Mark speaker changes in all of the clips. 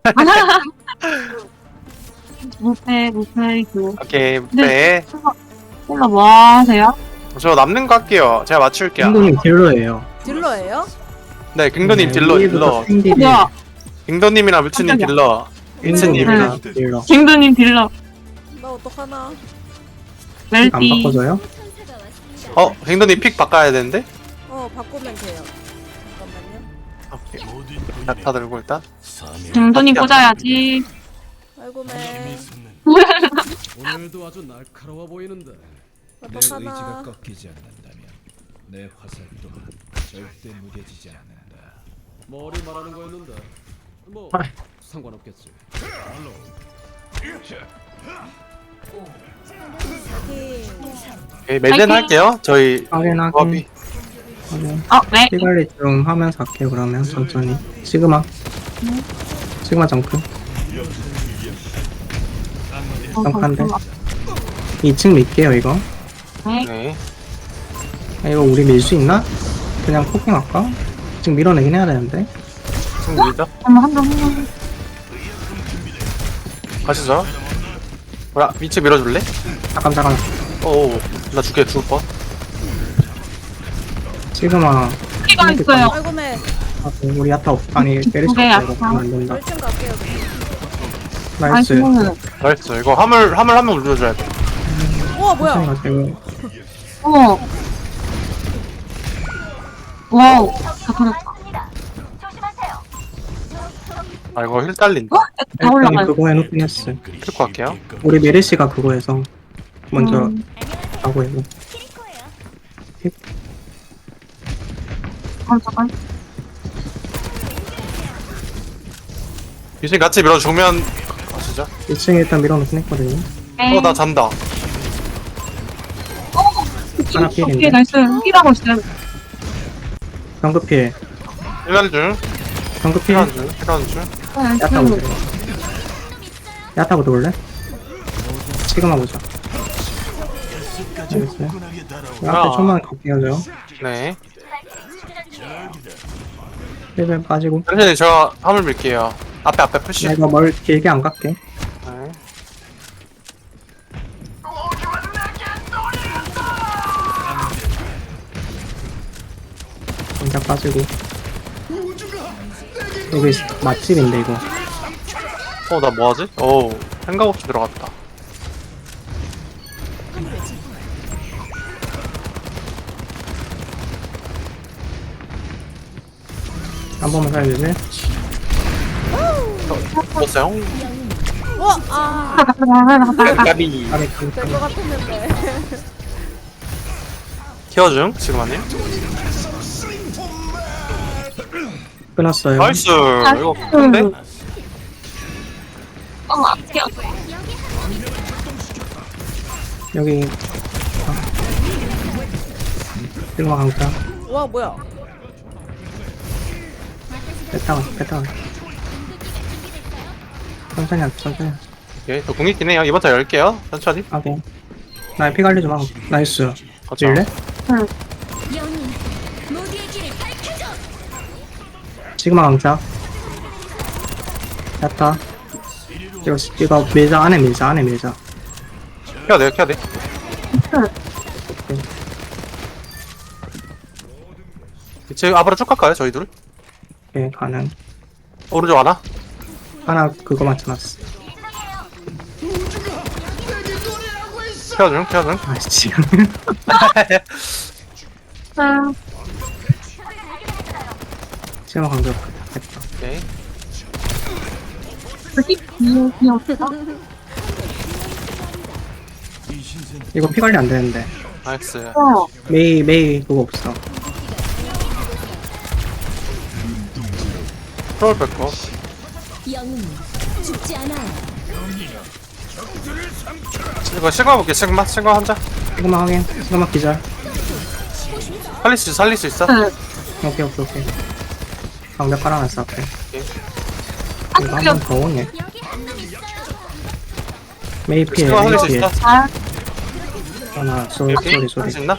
Speaker 1: 무패, 이거.
Speaker 2: 오케이
Speaker 1: 네.
Speaker 2: 네.
Speaker 1: 힐러 뭐 하세요?
Speaker 2: 저 남는 거 할게요. 제가 맞출게요.
Speaker 3: 킹도님 딜러예요.
Speaker 4: 딜러예요?
Speaker 2: 네 갱도님
Speaker 3: 네,
Speaker 2: 딜러
Speaker 3: 위에부터
Speaker 2: 딜러.
Speaker 3: 킹딜이
Speaker 1: 뭐야?
Speaker 2: 갱도님이랑 뮤츠님
Speaker 1: 깜짝이야.
Speaker 2: 딜러.
Speaker 3: 킹도님이랑 딜러.
Speaker 1: 갱도님 딜러.
Speaker 4: 나 어떡하나?
Speaker 3: 안
Speaker 1: 멜띠.
Speaker 3: 바꿔줘요?
Speaker 2: 갱도님 픽 바꿔야 되는데.
Speaker 4: 바꾸면 돼요. 잠깐만요.
Speaker 2: 오케이. 야타 들고 일단.
Speaker 1: 갱도님 꽂아야지.
Speaker 4: 아이고 매.
Speaker 5: 오늘도 아주 날카로워 보이는데 내 의지가
Speaker 4: 어떡하나?
Speaker 5: 꺾이지 않는다면 내 화살 또한 절대 무뎌지지 않는다. 머리 말하는 거였는데 뭐
Speaker 3: 아.
Speaker 5: 상관없겠지.
Speaker 2: 오케이, 멜덴
Speaker 1: 파이팅!
Speaker 2: 할게요. 저희
Speaker 3: 확인하긴.
Speaker 2: 조합이.
Speaker 3: 확인.
Speaker 1: 네.
Speaker 3: 피 관리 좀 하면서 할게요, 그러면. 천천히. 시그마. 시그마 정크. 점프한데. 2층 밀게요, 이거.
Speaker 1: 네.
Speaker 2: 네.
Speaker 3: 아, 이거 우리 밀 수 있나? 그냥 포킹 할까? 지금 밀어내긴 해야 되는데.
Speaker 2: 지금 밀죠.
Speaker 1: 한번.
Speaker 2: 가시죠. 뭐야 위치 밀어줄래?
Speaker 3: 잠깐.
Speaker 2: 나 죽을 뻔.
Speaker 3: 시그마.
Speaker 1: 피가 있어요.
Speaker 4: 아이고 매.
Speaker 3: 아, 우리 야타 아니, 메리시
Speaker 1: 네,
Speaker 3: 없어. 이거
Speaker 1: 야타.
Speaker 3: 안 된다.
Speaker 4: 멸충 갈게요.
Speaker 3: 나이스.
Speaker 2: 나이스. 이거 화물 한 명 눌러줘야 돼.
Speaker 4: 우와 뭐야?
Speaker 3: 가지고.
Speaker 1: 와우. 다 터졌다.
Speaker 2: 아 이거 힐 딸린다.
Speaker 1: 다
Speaker 3: 일단
Speaker 1: 올라가요.
Speaker 3: 그거 해놓긴 했어.
Speaker 2: 필거 할게요.
Speaker 3: 우리 메리시가 그거 해서 먼저 하고 해고.
Speaker 1: 잠깐.
Speaker 2: 유진 같이 밀어주면 가시죠.
Speaker 3: 2층에 일단 밀어놓긴 했거든요.
Speaker 1: 네.
Speaker 2: 나 잔다.
Speaker 3: 하나 필인데.
Speaker 1: 오케이, 나이스. 힐하고 있어요.
Speaker 3: 경급필.
Speaker 2: 힐하는 중.
Speaker 3: 경급필.
Speaker 2: 힐하는 중.
Speaker 3: 야타 보자. 야타부터 볼래? 시그마 보자. 알겠어요. 앞에 좀만 갈게요, 저.
Speaker 2: 네.
Speaker 3: 1벨 빠지고.
Speaker 2: 선생님 저 화물 밀게요. 앞에 푸시.
Speaker 3: 나 이거 뭘 길게 안 갈게.
Speaker 2: 네.
Speaker 3: 혼자 빠지고. 여기 맛집인데, 이거.
Speaker 2: 나 뭐하지? 생각 없이 들어갔다.
Speaker 3: 한 번만 살려주세요.
Speaker 2: 먹었어요? 까비.
Speaker 3: 아래
Speaker 4: 될 것 같았는데.
Speaker 2: 케어 중 지금 아님?
Speaker 3: 끊었어요.
Speaker 2: 나이스. 이거 큰데?
Speaker 1: 아껴.
Speaker 3: 여기. 시그마 강타.
Speaker 4: 와 뭐야?
Speaker 3: 뺐다가. 천천히 하자, 천천히 하자.
Speaker 2: 오케이. 저 공익긴 해요. 이번 타 열게요. 천천히.
Speaker 3: 오케이. 나 피 관리 좀 하고. 나이스.
Speaker 2: 거쳐.
Speaker 3: 질래? 시그마 강타. 야타. 이거 밀자, 안에 밀자.
Speaker 2: 케어 돼. 지금 앞으로 쭉 갈까요? 저희 둘?
Speaker 3: 오케이, 가능.
Speaker 2: 오른쪽 하나?
Speaker 3: 하나 그거 맞춰놨어.
Speaker 2: 케어 중.
Speaker 3: 아이씨. 시그마 강타. 됐다.
Speaker 2: 오케이.
Speaker 3: 이거 피 관리 안 되는데.
Speaker 2: 나이스.
Speaker 3: 메이 그거 없어.
Speaker 2: 프로를 뺐고.
Speaker 6: 영웅 죽지 않아.
Speaker 2: 이거 시그마 볼게. 시그마 혼자.
Speaker 3: 시그마 확인. 시그마 기절.
Speaker 2: 살릴 수 있어?
Speaker 3: 오케이. 방벽 깔아놨어 앞에.
Speaker 2: 오케이.
Speaker 3: 이거 한 번 더 오네. 메이 피해.
Speaker 2: 시그마 살릴 수
Speaker 3: 메이 피해.
Speaker 2: 있어?
Speaker 3: 하나 소리.
Speaker 2: 할수 있나?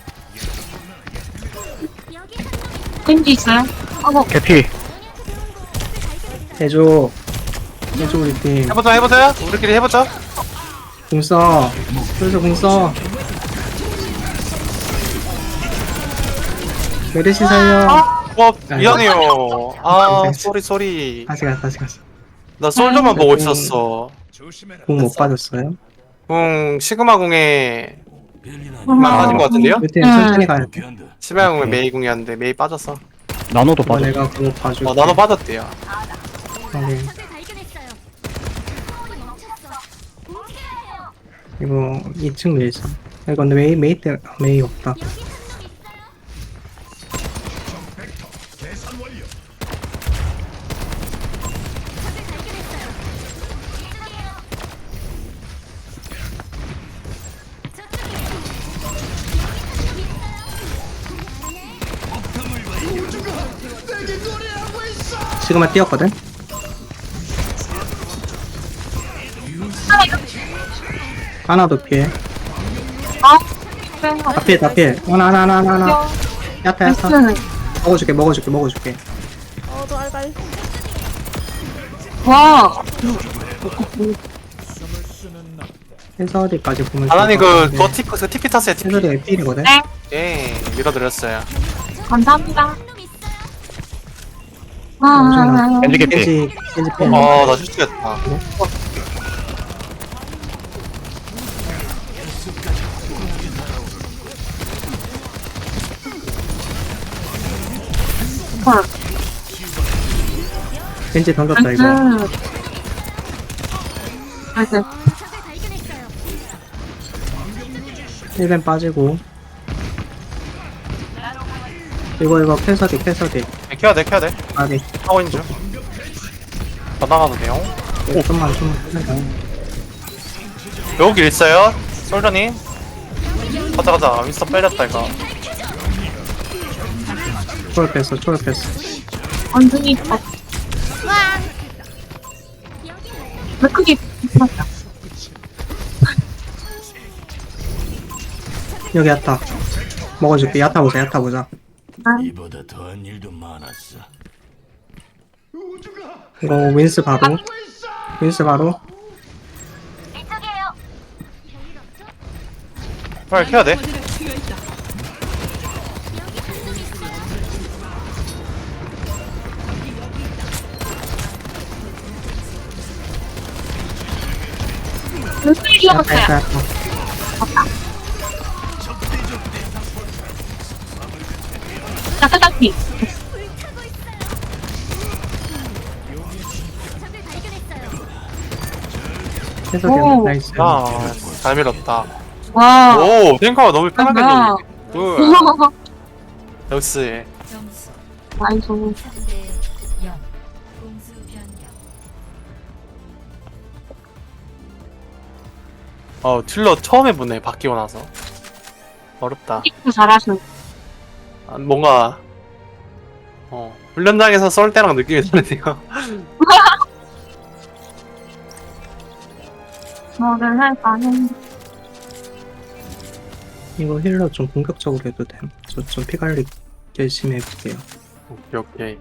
Speaker 1: 겐지 있어요?
Speaker 3: 개피. 해줘. 해줘 우리 팀.
Speaker 2: 해보자. 우리끼리 해보자.
Speaker 3: 공 써. 그래서 공 써. 메르시 살려.
Speaker 2: 미안해요. 아,
Speaker 3: 괜찮아.
Speaker 2: 쏘리.
Speaker 3: 다시 갔어.
Speaker 2: 나 솔저만 보고 있었어.
Speaker 3: 공 못 받았어요?
Speaker 2: 시그마 궁에
Speaker 1: 아,
Speaker 2: 맞은 것 같은데요?
Speaker 3: 우리 팀 천천히 가야 돼.
Speaker 2: 시그마 궁에 메이 궁이었는데 메이 빠졌어.
Speaker 7: 나노도
Speaker 3: 이거
Speaker 7: 빠져.
Speaker 3: 내가 공 봐줄게.
Speaker 2: 나도 빠졌대요.
Speaker 3: 확인. 이거 2층 밀자. 이거 근데 메이 없다. 지금만 뛰었거든? 하나도 피해. 다 피해. 하나. 야타. 먹어줄게.
Speaker 4: 너 알갈.
Speaker 1: 와,
Speaker 3: 해설이까지 보면
Speaker 2: 아나니
Speaker 3: 좋을 것
Speaker 2: 그거
Speaker 3: 같은데.
Speaker 2: TP 탔어요. TP.
Speaker 3: 해설이가 필이거든?
Speaker 1: 네,
Speaker 2: 예, 밀어드렸어요.
Speaker 1: 감사합니다. 아,
Speaker 7: 겐지 개피.
Speaker 3: 겐지 필.
Speaker 2: 나 실수했다.
Speaker 1: 헐.
Speaker 3: 겐지 던졌다 이거.
Speaker 1: 나이스.
Speaker 3: 1벤 빠지고. 이거 캐서디.
Speaker 2: 켜야 돼.
Speaker 3: 아니,
Speaker 2: 하고 있는 중. 더 나가도 돼요.
Speaker 3: 좀만 해봐.
Speaker 2: 여기 있어요. 솔저님. 가자. 윈스턴 빼렸다 이거.
Speaker 3: 초월 뺐어.
Speaker 1: 완전히 딱. 왜 크게 붙었다.
Speaker 3: 여기 야타. 먹어줄게. 야타 보자.
Speaker 5: 이보다 더한 일도 많았어.
Speaker 3: 이거 윈스 바로.
Speaker 2: 빨리 켜야 돼.
Speaker 1: 왜 크게 기어갔어요?
Speaker 3: 야타.
Speaker 1: 약간 딱히.
Speaker 3: 캐서디
Speaker 1: 오.
Speaker 3: 나이스.
Speaker 2: 잘 밀었다.
Speaker 1: 와.
Speaker 2: 오, 탱커가 너무 편하게
Speaker 1: 뭐야.
Speaker 2: 밀리네. 역시.
Speaker 1: 나이스.
Speaker 2: 틸러 처음 해보네, 바뀌고 나서. 어렵다.
Speaker 1: 킥도 잘하시네.
Speaker 2: 뭔가, 훈련장에서 썰 때랑 느낌이 다르네요.
Speaker 1: 뭐를 할까는.
Speaker 3: 이거 힐러 좀 공격적으로 해도 돼. 저 좀 피 관리 열심히 해볼게요.
Speaker 2: 오케이.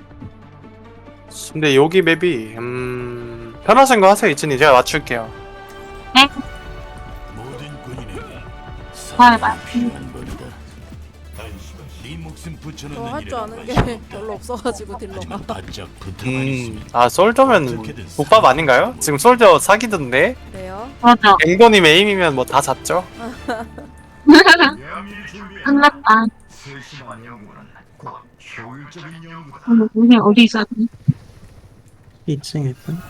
Speaker 2: 근데 여기 맵이, 편하신 거 하세요, 이진이. 제가 맞출게요.
Speaker 1: 네?
Speaker 5: 모든 군인에게
Speaker 1: 봐봐.
Speaker 5: 필요한 법이다. 네 목숨 붙여놓는
Speaker 4: 저 할 줄
Speaker 5: 일이란
Speaker 4: 아는
Speaker 5: 말이야.
Speaker 4: 게 별로 없어가지고 딜러가.
Speaker 5: 하지만 바짝 붙어만 있으면
Speaker 2: 솔저면 국밥 아닌가요? 지금 솔저 사기던데?
Speaker 4: 그래요?
Speaker 1: 맞아.
Speaker 2: 앵거님 에임이면 뭐 다 잡죠?
Speaker 1: 끝났다. 우리 어디 있어야 돼?
Speaker 3: 2층에 있던.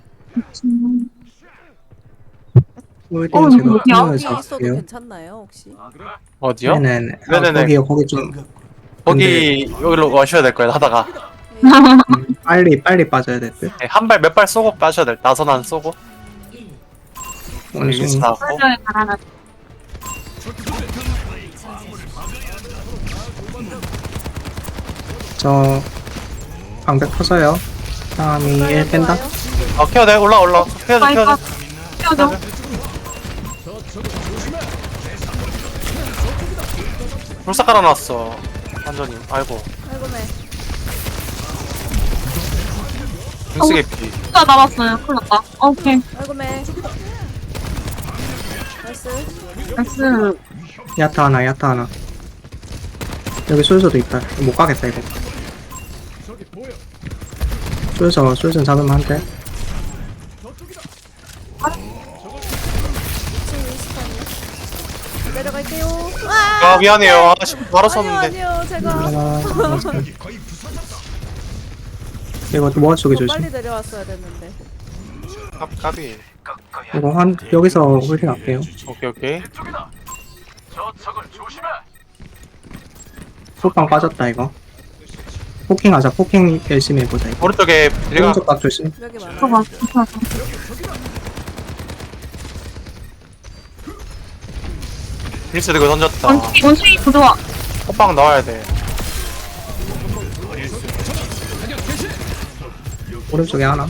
Speaker 1: 어,
Speaker 3: 제가
Speaker 1: 어디야?
Speaker 3: 공을
Speaker 4: 여기 있어도
Speaker 3: 잡을게요.
Speaker 4: 괜찮나요 혹시?
Speaker 2: 어디요?
Speaker 3: 네네네.
Speaker 2: 네네네.
Speaker 3: 거기 좀
Speaker 2: 여기로 와셔야 될 거예요, 하다가.
Speaker 3: 빨리 빠져야 될 듯.
Speaker 2: 네, 한 발, 몇 발 쏘고 빠셔야 될, 나선 안 쏘고.
Speaker 3: 어느
Speaker 2: 윈스
Speaker 3: 정도.
Speaker 2: 나왔고.
Speaker 1: 솔저에 달아나.
Speaker 3: 저 방백 터져요. 다음이 1 뺀다.
Speaker 2: 켜야 돼, 올라. 켜야 돼.
Speaker 1: 껴줘.
Speaker 2: 불사 깔아놨어. 완전히. 아이고.
Speaker 4: 아이고네.
Speaker 2: 믹스게 피.
Speaker 1: 진짜 남았어요. 큰일 났다. 오케이.
Speaker 4: 아이고 매. 나이스.
Speaker 1: 나이스.
Speaker 3: 야타 하나, 야타 하나. 여기 솔저도 있다. 못 가겠다, 이거. 솔저 잡으면 안 돼.
Speaker 4: 내려갈게요.
Speaker 2: 아 미안해요. 아 바로
Speaker 4: 아니요
Speaker 2: 썼는데.
Speaker 4: 아니요 제가
Speaker 3: 아, 이거 뭐 쪽에
Speaker 4: 더
Speaker 3: 조심.
Speaker 4: 빨리 내려왔어야 됐는데.
Speaker 2: 까비.
Speaker 3: 이거 여기서 홀딩 할게요.
Speaker 2: 오케이.
Speaker 3: 호빵 빠졌다, 이거. 포킹 하자, 포킹 열심히 해보자, 이거.
Speaker 2: 오른쪽에 내가
Speaker 3: 오른쪽 각 조심.
Speaker 4: 여기 많아.
Speaker 1: 저거 괜찮아.
Speaker 2: 믹스 들고 던졌다.
Speaker 1: 원숭이 부조화.
Speaker 2: 호빵 넣어야 돼.
Speaker 3: 오른쪽에 하나.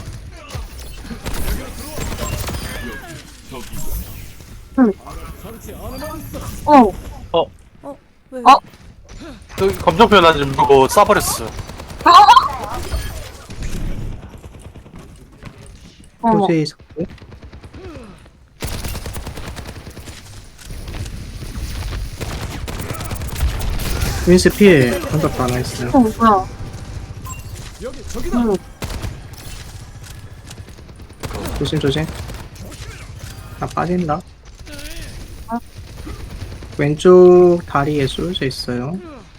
Speaker 1: 어.
Speaker 4: 왜?
Speaker 2: 여기 검정 표현 좀 보고 쏴버렸어.
Speaker 3: 소재 있었고. 윈스 필 던졌다, 나이스.
Speaker 1: 뭐야.
Speaker 5: 여기 저기다.
Speaker 3: 조심. 나 빠진다. 왼쪽 다리에 쏠져 있어요.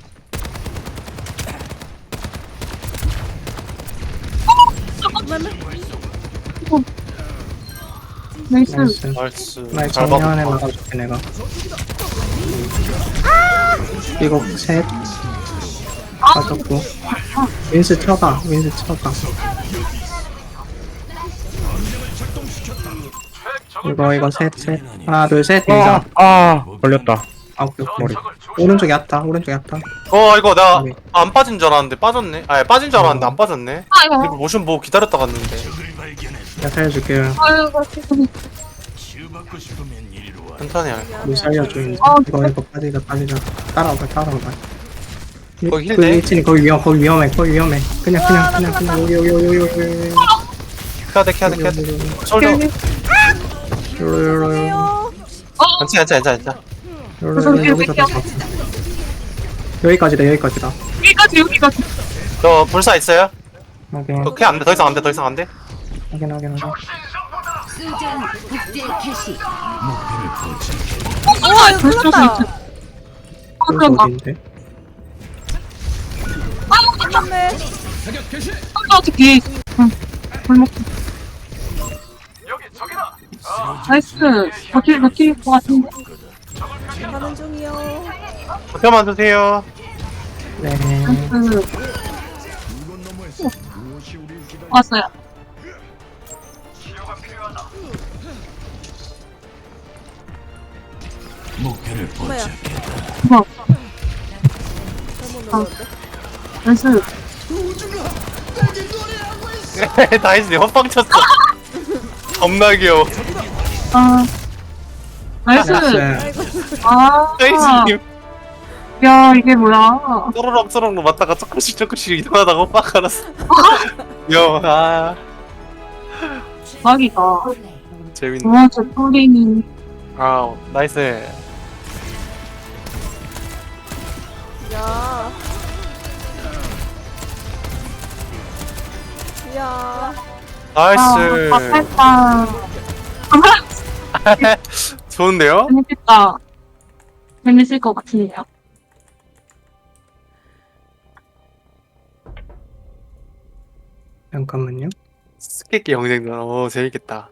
Speaker 1: 나이스.
Speaker 3: 나이스.
Speaker 2: 나이스.
Speaker 3: 나
Speaker 2: 잘
Speaker 3: 정면에
Speaker 2: 봤다.
Speaker 3: 막아줄게, 내가. 이거 셋. 빠졌고. 윈스 쳐가. 이거 셋. 하나, 둘, 셋. 인자.
Speaker 7: 걸렸다.
Speaker 3: 아, 오케이. 오른쪽 얕다.
Speaker 2: 이거 나
Speaker 3: 네.
Speaker 2: 안 빠진 줄 알았는데 빠졌네. 아니 빠진 줄 알았는데 안 빠졌네.
Speaker 1: 아이고.
Speaker 2: 이거 모션 보고 기다렸다 갔는데.
Speaker 3: 내가 살려줄게요.
Speaker 1: 아이고.
Speaker 2: 천천히 할게.
Speaker 3: 물 살려줘, 이제. 이거 빠지자. 따라오봐.
Speaker 2: 거기 힐
Speaker 3: 그
Speaker 2: 내?
Speaker 3: 위치는 거기 위험해. 그냥, 여기.
Speaker 2: 켜야 돼. 솔더.
Speaker 4: 해요.
Speaker 2: 괜찮아.
Speaker 3: 여기서 다 잡고. 여기까지다.
Speaker 1: 여기까지.
Speaker 2: 너 불사 있어요?
Speaker 3: 확인.
Speaker 2: 오케이 안 돼. 더 이상 안 돼.
Speaker 3: 확인.
Speaker 4: 우와 이거 큰일났다.
Speaker 1: 그런가.
Speaker 3: 어딘데?
Speaker 4: 큰일났네.
Speaker 1: 어떻게. 골목. 나이스. 버틸 것 같은데.
Speaker 4: 가는 중이요.
Speaker 2: 표만 주세요.
Speaker 3: 네.
Speaker 1: 나이스. 왔어요.
Speaker 4: 뭐야?
Speaker 1: 뭐.
Speaker 4: 잘못 눌렀는데.
Speaker 1: 나이스.
Speaker 2: 다이스 내 헛방 쳤어. 겁나 귀여워.
Speaker 1: 아. 나이스. 아.
Speaker 2: 다이스님
Speaker 1: 야, 이게 뭐야.
Speaker 2: 또르렁 맞다가 조금씩 이동하다가 헛방 알았어. 귀여워. 아
Speaker 1: 대박이다.
Speaker 2: 재밌네.
Speaker 1: 와, 저 폴링이.
Speaker 2: 아 나이스.
Speaker 4: 야. 야.
Speaker 2: 나이스.
Speaker 1: 아깝다.
Speaker 2: 좋은데요?
Speaker 1: 재밌겠다. 재밌을 것 같은데요.
Speaker 3: 잠깐만요.
Speaker 2: 스케키 경쟁전. 오 재밌겠다.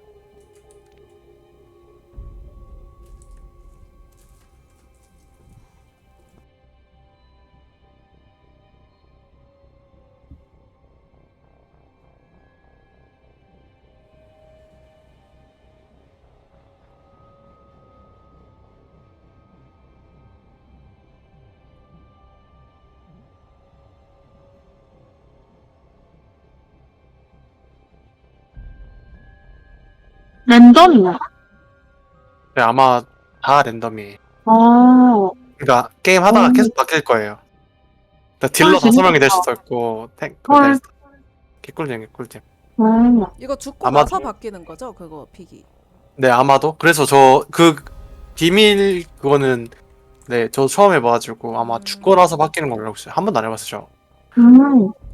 Speaker 1: 랜덤이야.
Speaker 2: 네, 아마 다 랜덤이에요. 그러니까 게임 하다가 계속 바뀔 거예요. 그러니까 딜러
Speaker 1: 아,
Speaker 2: 다섯 명이 될
Speaker 1: 재밌겠다.
Speaker 2: 수도 있고 탱크
Speaker 1: 헐.
Speaker 2: 될 수도 있고. 개꿀잼.
Speaker 4: 이거 죽고
Speaker 2: 아마-
Speaker 4: 나서 바뀌는 거죠? 그거 픽이.
Speaker 2: 네, 아마도. 그래서 저 그 비밀 그거는 네, 저 처음 해봐가지고 아마 죽고 나서 바뀌는 걸로 알고 있어요. 한 번도 안 해봤어요.
Speaker 1: 음.